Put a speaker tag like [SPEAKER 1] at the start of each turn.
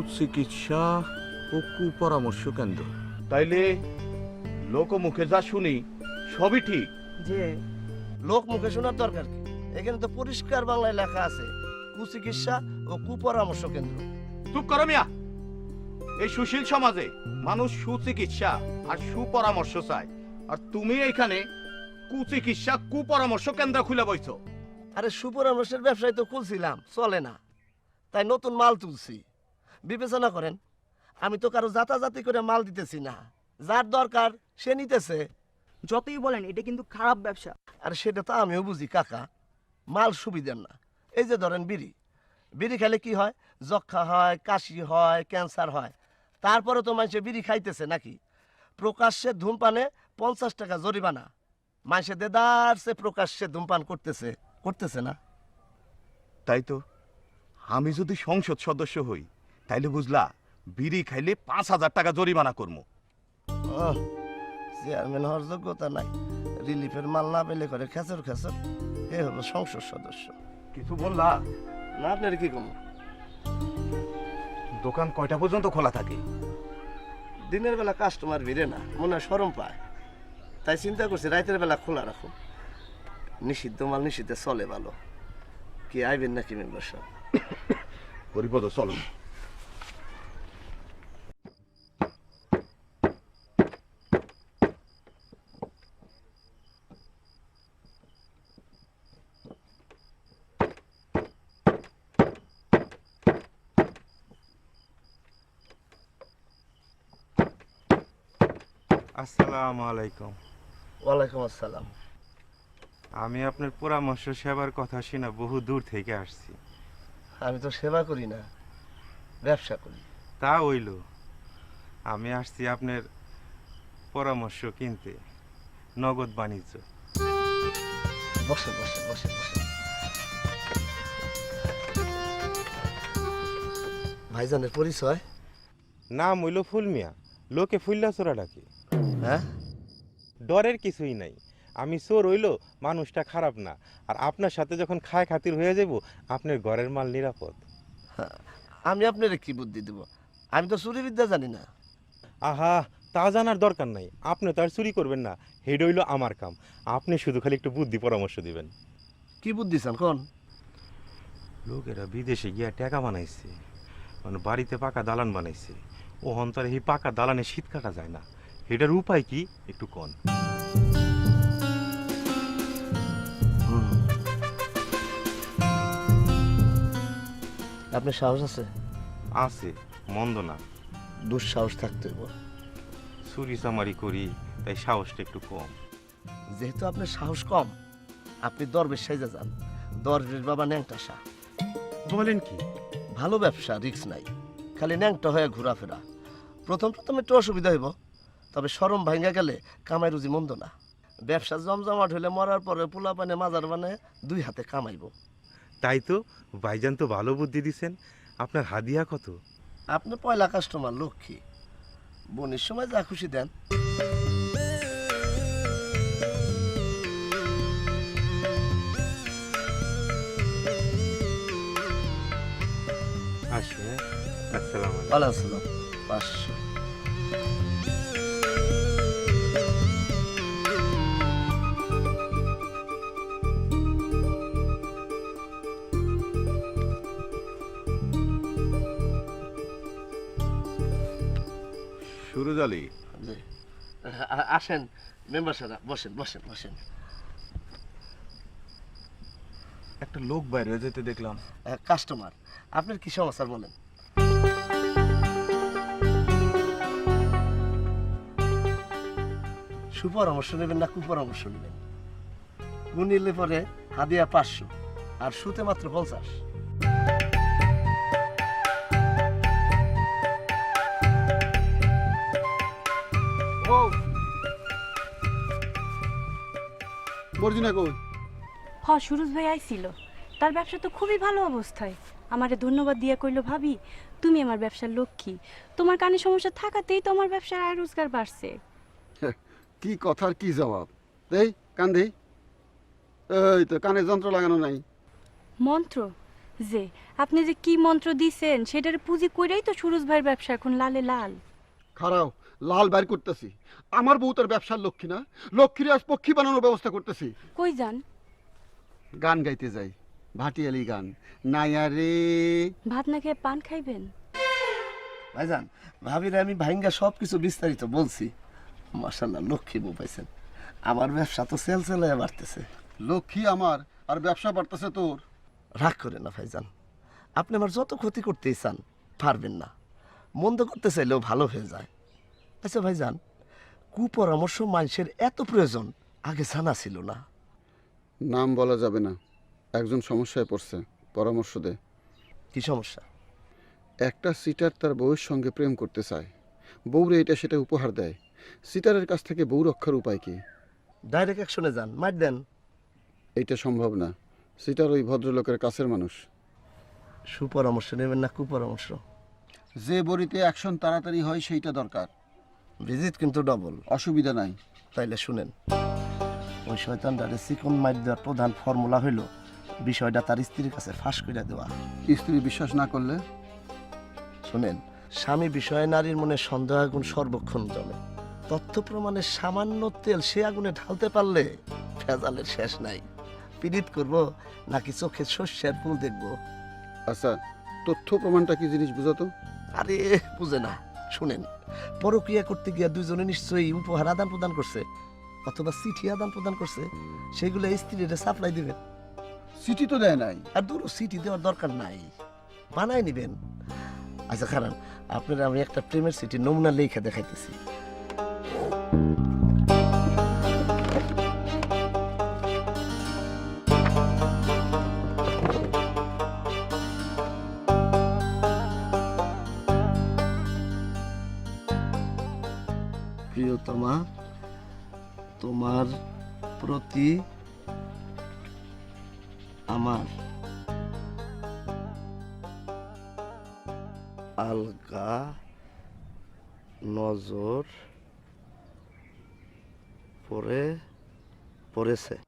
[SPEAKER 1] কুচিকিৎসা ও কুপরামর্শ কেন্দ্র, তাইলে লোকমুখে যা শুনি সবই ঠিক।
[SPEAKER 2] যে লোক মুখে শোনার দরকার কি? এখানে তো পরিষ্কার বাংলায় লেখা আছে কুচিকিৎসা ও কুপরামর্শ কেন্দ্র।
[SPEAKER 1] চুপ করো মিয়া। এই সুশীল সমাজে মানুষ সুচিকিৎসা আর সুপরামর্শ চায়, আর তুমি এইখানে কুচিকিৎসা কুপরামর্শ কেন্দ্র খুলে বইছো।
[SPEAKER 2] আরে সুপরামর্শের ব্যবসায় তো খুলছিলাম, চলে না, তাই নতুন মাল তুলছি। বিবেচনা করেন, আমি তো কারো জাতাজাতি করে মাল দিতেছি না, যার দরকার সে নিতেছে।
[SPEAKER 3] যতই বলেন এটা কিন্তু খারাপ ব্যবসা।
[SPEAKER 2] আর সেটা তো আমিও বুঝি কাকা, মাল সুবিধার না। এই যে ধরেন বিড়ি, বিড়ি খেলে কি হয়? যক্ষা হয়, কাশি হয়, ক্যান্সার হয়। তারপরে তো মানুষে বিড়ি খাইতেছে নাকি? প্রকাশ্যে ধূমপানে 50 টাকা জরিমানা। মানুষে দেদারসে প্রকাশ্যে ধূমপান করতেছে, করতেছে না?
[SPEAKER 1] তাই তো, আমি যদি সংসদ সদস্য হই তাইলে বুঝলা বিড়ি খাইলে 5,000 টাকা জরিমানা করবো।
[SPEAKER 2] চেয়ারম্যান হওয়ার যোগ্যতা নাই, রিলিফের মাল না পেলে করে খেচর খেচর। এ হলো সংসদ সদস্য।
[SPEAKER 1] কিছু বললা
[SPEAKER 2] না, আপনার কি কম?
[SPEAKER 1] দোকান কয়টা পর্যন্ত খোলা থাকে?
[SPEAKER 2] দিনের বেলা কাস্টমার ভিড়ে না, মনে হয় শরম পায়, তাই চিন্তা করছি রাতের বেলা খোলা রাখো। নিষিদ্ধ মাল নিষিদ্ধে চলে ভালো। কি আইবেন নাকি মেম্বার সাহেব?
[SPEAKER 1] হরিপদ চলো।
[SPEAKER 4] আসসালামু আলাইকুম।
[SPEAKER 2] ওয়ালাইকুম আসসালাম।
[SPEAKER 4] আমি আপনার পরামর্শ সেবার কথা শুনে বহু দূর থেকে আসছি।
[SPEAKER 2] আমি তো সেবা করি না, ব্যবসা করি।
[SPEAKER 4] তা হইল, আমি আসছি আপনার পরামর্শ কিনতে, নগদ বাণিজ্য।
[SPEAKER 2] বসে বসে বসে বসে। ভাইজানের পরিচয়?
[SPEAKER 4] নাম হইল ফুলমিয়া, লোকে ফুল্লা চোরা ডাকে।
[SPEAKER 2] হ্যাঁ,
[SPEAKER 4] ডরের কিছুই নাই। আমি চোর হইল মানুষটা খারাপ না, আর আপনার সাথে যখন খায় খাতির হয়ে যাব আপনার ঘরের মাল নিরাপদ।
[SPEAKER 2] আমি আপনার কি বুদ্ধি দেব? আমি তো চুরি বিদ্যা জানি না।
[SPEAKER 4] আহা, তা জানার দরকার নাই, আপনি তো আর চুরি করবেন না, হেড হইল আমার কাম। আপনি শুধু খালি একটু বুদ্ধি পরামর্শ দিবেন।
[SPEAKER 2] কি বুদ্ধি চান কোন?
[SPEAKER 4] লোকেরা বিদেশে গিয়া টাকা বানাইছে, মানে বাড়িতে পাকা দালান বানাইছে। ও অন্তরে এই পাকা দালানে শীত কাটা যায় না, এটার উপায় কি একটু কন।
[SPEAKER 2] আপনার সাহস আছে?
[SPEAKER 4] আছে, মন্দ না।
[SPEAKER 2] দুঃসাহস থাকতে হইব।
[SPEAKER 4] চুরি চামারি করি, তাই সাহসটা একটু কম।
[SPEAKER 2] যেহেতু আপনার সাহস কম, আপনি দরবেশ সাইজা যান। দরবেশ বাবা ন্যাংটা শাহ।
[SPEAKER 4] বলেন কি?
[SPEAKER 2] ভালো ব্যবসা, রিস্ক নাই, খালি ন্যাংটা হয়ে ঘোরাফেরা। প্রথম প্রথম একটু অসুবিধা হইব, তবে শরম ভাঙ্গা গেলে কামাই রুজি মন্দ না। ব্যবসা জমজমাট হইলে মরার পরে পোলা পানে মাজার বানে 2 হাতে কামাইব।
[SPEAKER 4] তাই তো, ভাইজান তো ভালো বুদ্ধি দিছেন। আপনার হাদিয়া কত?
[SPEAKER 2] আপনি পয়লা কাস্টমার, লক্ষ্মী। বোনের সময় যা খুশি দেন।
[SPEAKER 4] আসি, হ্যাঁ? আসসালামু আলাইকুম।
[SPEAKER 2] ওয়ালাইকুম আসসালাম। 500।
[SPEAKER 1] সুরজ আলী,
[SPEAKER 2] জি। আসেন মেম্বার সাহেব, বসেন বসেন বসেন।
[SPEAKER 1] একটা লোক বাইরে যেতে দেখলাম।
[SPEAKER 2] কাস্টমার, আপনার কি সমস্যা বলেন? সুপরামর্শ নেবেন না কুপরামর্শ নেবেন? কু নিলে পরে হাদিয়া 500, আর সুতে মাত্র 50।
[SPEAKER 5] বর্জিনা কই?
[SPEAKER 6] সুরজ ভাই আইছিল, তার ব্যবসা তো খুবই ভালো অবস্থায়। আমারে ধন্যবাদ দিয়া কইলো, ভাবি তুমি আমার ব্যবসার লক্ষ্মী, তোমার কানে সমস্যা থাকাতেই তো আমার ব্যবসার আয় রোজগার বাড়ছে।
[SPEAKER 5] কি কথার কি জবাব দেই? কান দেই। এই তো কানে যন্ত্র লাগানো নাই।
[SPEAKER 6] মন্ত্র? যে আপনি যে কি মন্ত্র দিছেন সেটার পুঁজি কইরাই তো সুরজ ভাইয়ের ব্যবসা এখন লালে লাল।
[SPEAKER 5] খারাও লাল বাইর করতেছি। আমার বউ তার ব্যবসার লক্ষ্মী না, লক্ষ্মীর আজ পক্ষী বানানোর ব্যবস্থা করতেছি।
[SPEAKER 6] কই যান?
[SPEAKER 5] গান গাইতে যাই, ভাটিয়ালি গান। নাইয়া রে
[SPEAKER 6] ভাত না খেয়ে পান খাইবেন?
[SPEAKER 2] ভাইজান, ভাবিরে আমি ভাইঙ্গা সব কিছু বিস্তারিত বলছি। মাশাল্লাহ, লক্ষ্মী বউ পাইছেন। আমার ব্যবসা তো সেল সেলে বাড়তেছে।
[SPEAKER 5] লক্ষ্মী আমার, আর ব্যবসা বাড়তেছে তোর।
[SPEAKER 2] রাগ করে না ভাইজান, আপনি আমার যত ক্ষতি করতেই চান পারবেন না। মন্দ করতে চাইলেও ভালো হয়ে যায়। আচ্ছা ভাইজান, কুপরামর্শ মানুষের এত প্রয়োজন আগে জানা ছিল না।
[SPEAKER 5] নাম বলা যাবে না, একজন সমস্যায় পড়ছে, পরামর্শ দে।
[SPEAKER 2] কি সমস্যা?
[SPEAKER 5] একটা সিটার তার বউয়ের সঙ্গে প্রেম করতে চায়, বউরে এটা সেটা উপহার দেয়। সিটারের কাছ থেকে বউ রক্ষার উপায় কি?
[SPEAKER 2] ডাইরেক্ট অ্যাকশনে যান, মার দেন।
[SPEAKER 5] এইটা সম্ভব না, সিটার ওই ভদ্রলোকের কাছের মানুষ।
[SPEAKER 2] সুপরামর্শ নেবেন না কুপরামর্শ?
[SPEAKER 5] যে বড়িতে অ্যাকশন তাড়াতাড়ি হয় সেইটা দরকার।
[SPEAKER 2] ভিজিট কিন্তু ডবল।
[SPEAKER 5] অসুবিধা নাই।
[SPEAKER 2] তাইলে শুনেন, ওই শয়তানটারে চিকন মার দেওয়ার প্রধান ফর্মুলা হইল বিষয়টা তার স্ত্রীর কাছে ফাঁস করে দেওয়া।
[SPEAKER 5] স্ত্রী বিশ্বাস না করলে?
[SPEAKER 2] শুনেন, স্বামী বিষয়ে নারীর মনে সন্দেহ আগুন সর্বক্ষণ জমে। তথ্য প্রমাণের সামান্য তেল সে আগুনে ঢালতে পারলে ভেজালের শেষ নাই। পীড়িত করব নাকি চোখে শস্যের ফুল দেখবো?
[SPEAKER 5] আচ্ছা, তথ্য প্রমাণটা কি জিনিস বুঝাতো?
[SPEAKER 2] আরে বুঝে না। শুনেন, পরক্রিয়া করতে গিয়া দুজনে নিশ্চয়ই উপহার আদান প্রদান করছে, অথবা চিঠি আদান প্রদান করছে। সেগুলো স্ত্রীরা সাপ্লাই দিবেন।
[SPEAKER 5] চিঠি তো দেয় নাই।
[SPEAKER 2] আর দূর, সিটি দেওয়ার দরকার নাই, বানাই নিবেন। আচ্ছা খারান, আপনারা আমি একটা প্রেমের সিটি নমুনা লেখা দেখাইতেছি। প্রিয়তমা, তোমার প্রতি আমার আলগা নজর পড়েছে।